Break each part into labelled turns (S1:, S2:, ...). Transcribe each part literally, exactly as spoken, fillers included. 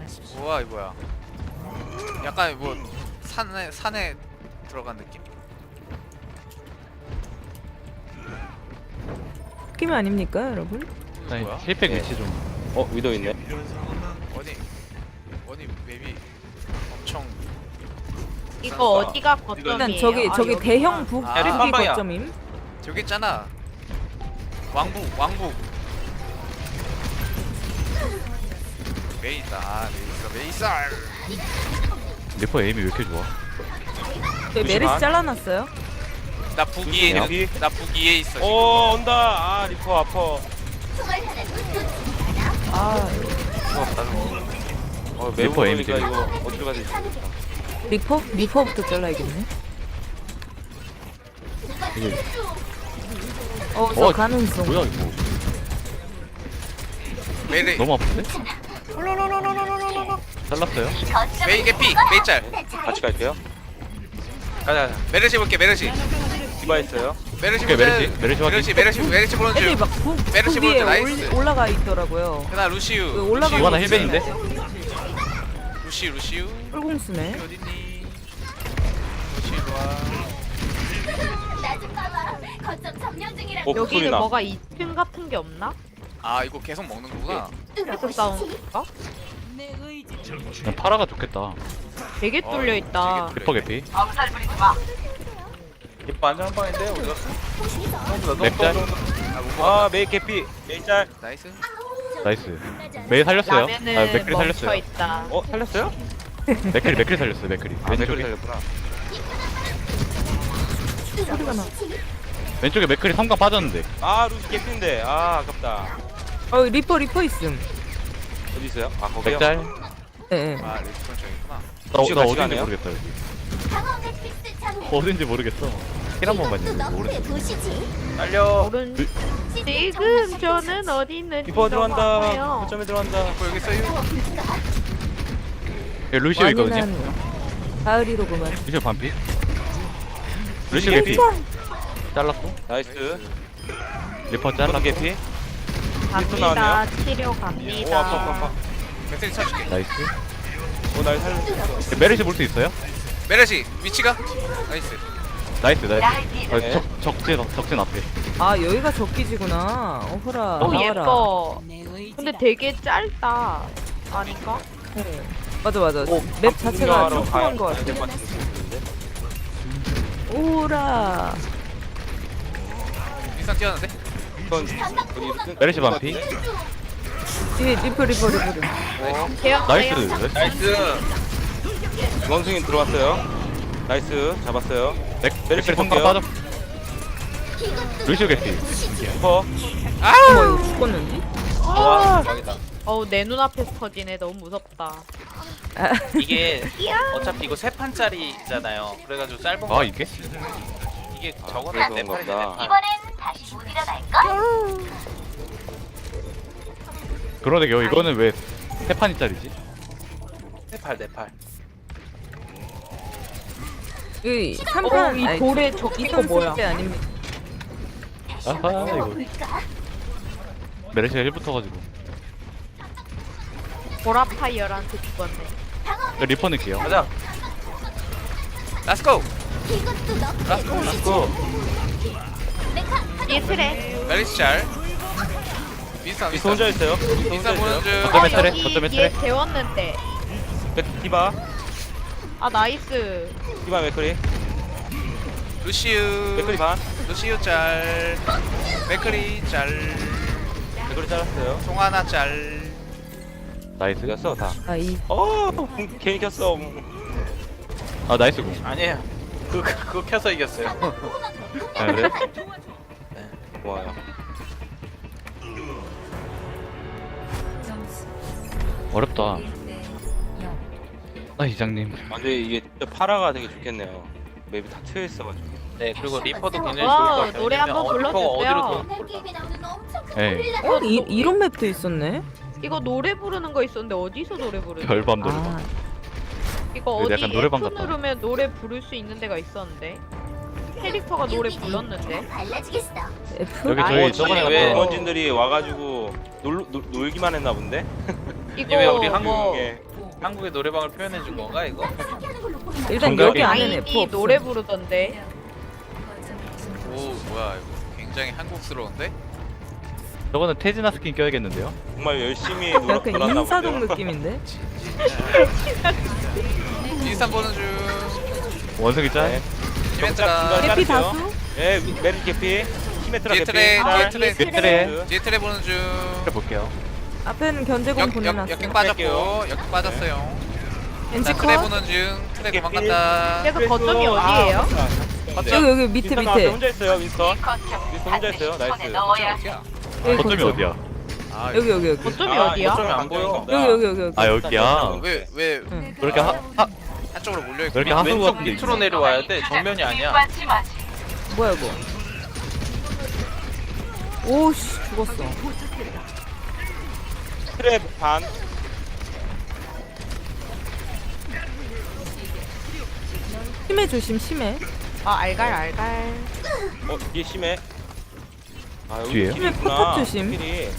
S1: 우와 이 뭐야? 약간 뭐 산에 산에 들어간 느낌?
S2: 느낌 아닙니까, 여러분?
S3: 아니
S1: 뭐야?
S3: 힐백 위치 좀.
S4: 어 위도 있네.
S1: 어디 어디 맵이 엄청
S5: 이거 어디가 거점이에요?
S2: 일단 저기
S5: 아,
S2: 저기
S5: 여기구나.
S2: 대형 북
S1: 아,
S2: 북이
S6: 깜빡이야.
S2: 거점임.
S1: 저기 있잖아. 왕국 왕국. 메이 있다. 아, 메이 있어 메이 있어.
S3: 리퍼 에임이 왜 이렇게 좋아?
S2: 저기 메르시
S4: 잠시만.
S2: 잘라놨어요.
S1: 나 북이에
S4: 조심해요.
S1: 있는 나 북이에 있어. 지금.
S4: 오 온다. 아 리퍼 아파.
S2: 아
S4: 어
S3: 리퍼
S4: 매우
S3: 에임
S4: 그러니까
S3: 때문에.
S4: 이거 어디로 가야 되지?
S2: 리퍼 리퍼부터 잘라야겠네.
S3: 이게
S2: 어, 저
S3: 어,
S2: 가능성.
S3: 뭐야 이거?
S1: 메이
S3: 너무 아픈데? 잘랐어요?
S1: 메이 개피 메이 짤.
S4: 같이 갈게요.
S6: 가자 가자.
S1: 메르시 볼게 메르시.
S4: 디바 있어요.
S1: 메르시
S3: 오케이,
S1: 보자.
S3: 메르시, 메르시 확인.
S1: 메르시 메르시 메르시 보는
S2: 애들이
S1: 중.
S2: 막북
S1: 메르시
S2: 북 위에
S1: 보여줘, 나이스.
S2: 올, 올라가 있더라고요.
S1: 그다음 루시우.
S2: 그 올라가는
S1: 루시우.
S3: 이거 하나 힐백인데?
S1: 루시우 루시우.
S2: 뿔공수네.
S1: 어딨니? 루시우 와.
S4: 어
S5: 여기는
S4: 소리 나.
S5: 뭐가 이 층 같은 게 없나?
S1: 아 이거 계속 먹는 거구나.
S5: 계속 싸우는가?
S3: 그냥 파라가 좋겠다.
S5: 되게
S1: 어,
S5: 뚫려 있다.
S1: 되게
S3: 리퍼 개피.
S6: 리퍼 안전 한 방인데 어디 갔어?
S3: 맵짤.
S4: 아 메이 캐피. 메이 짤.
S1: 나이스.
S3: 나이스. 메이 살렸어요. 아
S5: 라면은
S3: 맥크리
S5: 멈춰
S3: 살렸어요.
S5: 있다.
S4: 어 살렸어요?
S3: 맥크리 맥크리 살렸어요. 맥크리.
S4: 아 맥크리
S3: 왼쪽에
S4: 살렸구나.
S2: 소리가 나.
S3: 왼쪽에 맥크리 삼각 빠졌는데.
S4: 아 루시 캐피인데. 아 아깝다.
S2: 어 리퍼 리퍼 있음.
S4: 어디 있어요? 아 거기요.
S3: 맥짤.
S2: 예. 예.
S1: 아 리스폰 저기구나.
S3: 나,
S4: 혹시
S3: 나
S4: 같이
S3: 어딘지
S4: 가네요?
S3: 모르겠다 여기. 어딘지 모르겠어. 힐 한 번만요. 모르겠어.
S6: 날려.
S5: 오른 지금 저는 어디 있는지
S4: 리퍼 들어간다.
S5: 아파요.
S4: 거점에 들어간다.
S1: 뭐 여기 있어요?
S3: 여기 루시오 있거든요.
S2: 완연한 가을이로구만.
S3: 루시오 반피. 루시오
S4: 개피.
S3: 개피. 잘랐고.
S4: 나이스.
S3: 리퍼
S4: 라스
S3: 잘랐고.
S4: 캐피.
S5: 갑니다.
S4: 나왔네요.
S5: 치료
S4: 오 아파 아파
S5: 갑니다.
S4: 아파.
S1: 배터리 쳐줄게.
S3: 나이스.
S4: 오날 살렸어.
S3: 메르시 볼 수 있어요?
S1: 메르시 위치가 나이스.
S3: 나이스 나이스. 아,
S4: 네.
S3: 적 적진 적진 앞에.
S2: 아 여기가 적기지구나. 어허라.
S5: 오
S2: 나와라.
S5: 예뻐. 근데 되게 짧다. 아닌가?
S2: 네. 맞아 맞아.
S4: 오,
S2: 맵 자체가
S4: 구경하러
S2: 조그만 거
S4: 가야
S2: 같아.
S4: 될것 같은데.
S2: 오라.
S1: 일상 뛰었는데?
S4: 이건 어디
S3: 메르시 반피.
S2: 뒤에 리퍼 리퍼 리퍼.
S5: 대형
S3: 나이스.
S5: 대형.
S6: 나이스.
S4: 원숭이 들어왔어요. 나이스 잡았어요.
S3: 맥
S4: 메르시
S3: 맥크리 삼각
S4: 볼게요.
S3: 빠졌. 루시오 개피.
S4: 리퍼.
S2: 어머 이거 죽었는데?
S6: 와 대박이다.
S5: 어우 내 눈앞에서 터지네. 너무 무섭다.
S2: 아,
S6: 이게 어차피 이거 세 판짜리잖아요. 그래가지고 짧은 거
S3: 아 이게?
S6: 이게
S4: 아,
S6: 저거는
S4: 그래서
S6: 네
S4: 그런가
S6: 판인데
S4: 보다.
S6: 네 판.
S3: 그러네요. 이거는 왜 세 판이짜리지?
S6: 네 팔, 네 팔.
S2: 이
S5: 어,
S2: 삼판
S5: 이 돌에 적힌 거 뭐야?
S2: 게 아닙니다.
S3: 아하 이거. 메르시가 일 붙어가지고.
S5: 보라파이어한테 죽었네.
S3: 리퍼 넣을게요.
S6: 가자.
S1: Let's go.
S4: 렛츠고.
S5: 뒤에 트레.
S1: 메르시 잘. 윈스턴
S4: 미스 혼자 있어요. 미스 혼자
S1: 윈스턴 보는
S4: 있어요.
S1: 중.
S3: 거점에
S5: 아,
S3: 트레,
S5: 여기
S3: 거점에
S5: 뒤에
S3: 트레.
S5: 재웠는데.
S4: 맥- 디바.
S5: 아 나이스.
S4: 디바 맥크리.
S1: 루시우.
S4: 맥크리 반.
S1: 루시우 짤. 맥크리 짤.
S4: 맥크리 잘랐어요.
S1: 송하나 짤.
S3: 나이스.
S4: 이겼어 다.
S2: 아이
S4: 어 괜히 켰어.
S3: 아 나이스 공.
S6: 아니에요. 그 그거 켜서 이겼어요.
S3: 아 그래?
S4: 고마워요.
S3: 어렵다. 아 이장님.
S4: 아 근데 이게 진짜 파라가 되게 좋겠네요. 맵이 다 트여 있어가지고.
S6: 네 그리고 리퍼도 굉장히 좋을
S5: 와우,
S6: 것 같아요.
S5: 노래 한번
S6: 왜냐면 어, 리퍼가
S5: 불러주세요.
S6: 어디로 돌
S3: 예.
S2: 어 이, 이런 맵도 있었네.
S5: 이거 노래 부르는 거 있었는데 어디서 노래 부르는?
S3: 별밤
S2: 아
S3: 노래방.
S5: 이거
S3: 근데
S5: 어디
S3: 약간 노래방
S5: F
S3: 같다.
S5: 누르면 노래 부를 수 있는 데가 있었는데. 캐릭터가 노래 불렀는데.
S2: F.
S3: 여기
S5: 아,
S3: 저희
S5: 어디
S3: 저번에
S6: 왜-
S3: 갔던
S4: 원진들이 와가지고 놀, 놀, 놀기만 했나 본데?
S5: 이거
S6: 왜 우리 한국
S5: 뭐
S4: 이게
S6: 한국의 노래방을 표현해 준 건가 이거?
S2: 일단
S3: 정답이-
S2: 여기 안에는 F
S5: 아이니
S2: 없어.
S5: 노래 부르던데.
S1: 오 뭐야 이거 굉장히 한국스러운데?
S3: 저거는 태진아 스킨 껴야겠는데요?
S4: 정말 열심히 노력
S2: 약간
S4: 돌았나
S2: 인사동
S4: 본데요.
S2: 느낌인데?
S1: 인스탄 보는 중.
S3: 원숭이 짤?
S4: 네.
S1: 이벤트가
S2: 해피
S4: 자르세요.
S2: 다수?
S4: 예, 메리 개피. 히메트라
S1: 뒤에
S4: 개피.
S1: 트레,
S4: 짤.
S1: 뒤에 트레.
S3: 트레.
S1: 뒤에 트레 보는 중.
S3: 볼게요.
S2: 앞에는 견제공
S1: 역, 역,
S2: 보내놨어.
S1: 역행 빠졌고 역행 빠졌어요.
S2: 엔지
S1: 자 트레
S2: 컷.
S1: 보는 중. 트레
S4: 개피.
S1: 도망간다.
S5: 그래서 거점이 어디예요?
S2: 여기 여기 밑에
S4: 윈스턴 나왔어요.
S2: 밑에.
S4: 혼자 있어요, 윈스턴. 윈스턴 혼자 있어요. 나이스.
S1: 어디야?
S2: 여기
S3: 거점이
S2: 거점.
S3: 어디야?
S1: 아
S2: 여기 여기 여기.
S5: 거점이
S4: 아,
S5: 어디야?
S6: 거점이 안 보여.
S2: 여기 여기 여기 여기.
S3: 아 여기야.
S1: 왜왜
S2: 응.
S3: 그렇게 하, 하
S1: 한쪽으로 몰려 있고.
S3: 그렇게 하수구
S6: 왼쪽
S3: 같은 게
S6: 밑으로 내려와야 돼. 정면이 아니야.
S2: 뭐야 이거? 오씨 죽었어.
S4: 트레 반.
S2: 심해 조심 심해.
S5: 아 알갈 알갈.
S4: 어, 뒤에 심해. 아, 여기
S3: 뒤에요?
S4: 길이
S2: 심해
S4: 있구나.
S2: 포탑 조심.
S4: 길이. 네.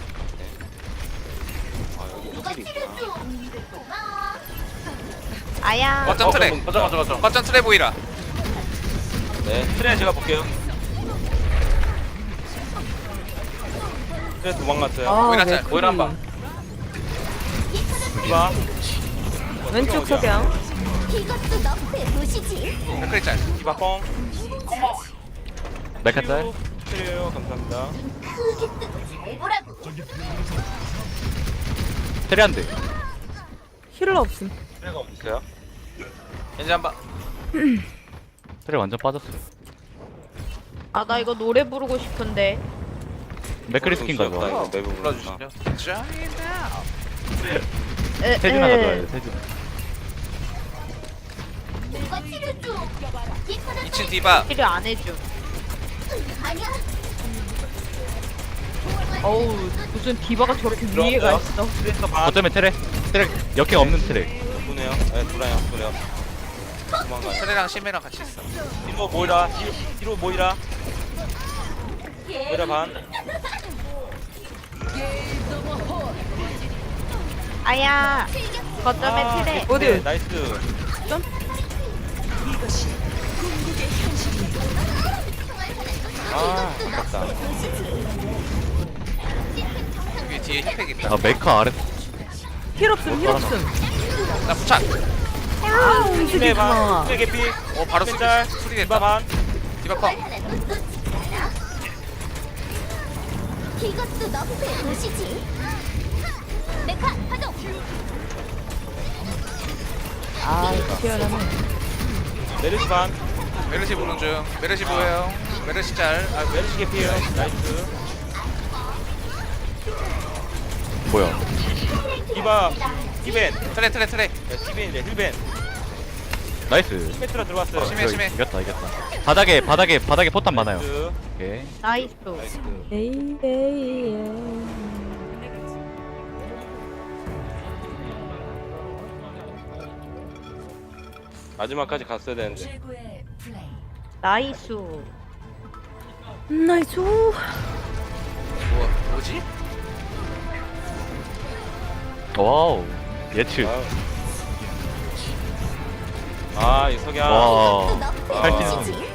S4: 아, 여기 길이 있구나.
S5: 아야.
S1: 거점 트레.
S6: 거점 거점 거점.
S1: 거점 트레 보이라.
S4: 네, 트레 제가 볼게요. 트레 도망갔어요.
S2: 아,
S1: 보이라 짤,
S2: 맥크리.
S6: 보이라 한 방.
S4: 디바.
S2: 왼쪽 석양.
S7: 이것도 너프의 도시지.
S1: 맥크리 짤.
S4: 디바 뻥.
S3: 메카 짤?
S4: 트레요. 감사합니다.
S7: 크게 뜨고 잘 보라고.
S3: 테레 한 대.
S2: 힐러 없음.
S4: 트레가 어디 있어요?
S6: 이제 한 방.
S3: 테레 완전 빠졌어요.
S5: 아 나 이거 노래 부르고 싶은데.
S3: 맥크리 스킨
S4: 없다,
S3: 가져와.
S4: 이거 매부 불러주시죠.
S6: 불러주시죠.
S1: Johnny now.
S5: 에,
S3: 태진아
S5: 에.
S3: 가져와야 돼. 태진.
S7: 누가 치료줘?
S1: 이 층 디바.
S5: 필요 안 해줌.
S7: 아니야.
S5: 어우 무슨 디바가 저렇게 위에가 있어.
S4: 트레에서 반.
S3: 어쩌면 테레? 테레 역행 없는 테레.
S4: 보네요. 네, 돌아요. 돌아요. 도망가요.
S1: 트레랑 심해랑 같이 있어.
S4: 뒤로 모이라. 뒤로, 뒤로 모이라. 모이라 반.
S5: 아야. 거점에
S4: 아,
S5: 트레.
S2: 어디?
S4: 네, 나이스.
S2: 점?
S4: 아, 아깝다.
S1: 여기 뒤에 힙팩 있다.
S3: 아 메카 아래.
S2: 힐 없음 힐 없음.
S1: 나 부착.
S2: 아 움직이지
S4: 트레 반.
S2: 마.
S4: 트레 개피.
S1: 어 바로 수리
S4: 짤.
S1: 수리
S4: 디바
S1: 됐다.
S4: 반.
S1: 디바 컷.
S7: 이것도 너프의 도시지. 메카 파동.
S2: 아 희한하네.
S4: 메르시 반.
S1: 메르시 보는 중. 메르시 보여요. 메르시 짤.
S4: 아, 메르시 개피에요. 나이스.
S3: 뭐야?
S4: 디바. 히벤.
S1: 트레 트레 트레.
S4: 네, 히벤이래. 힐벤.
S3: 나이스.
S4: 히메트라 들어왔어요.
S1: 심해,
S3: 이거
S1: 심해.
S3: 이겼다 이겼다. 바닥에 바닥에 바닥에 포탄 많아요.
S4: 나이스.
S3: 오케이.
S5: 나이스.
S4: 나이스.
S2: 에이 에이 에이.
S4: 마지막까지 갔어야 되는데.
S5: 나이스.
S2: 나이스.
S1: 뭐 뭐지?
S3: 와우. 예측.
S4: 아, 이 석양.
S3: 와.
S7: 이것도 너프의
S3: 살찐
S7: 도시지.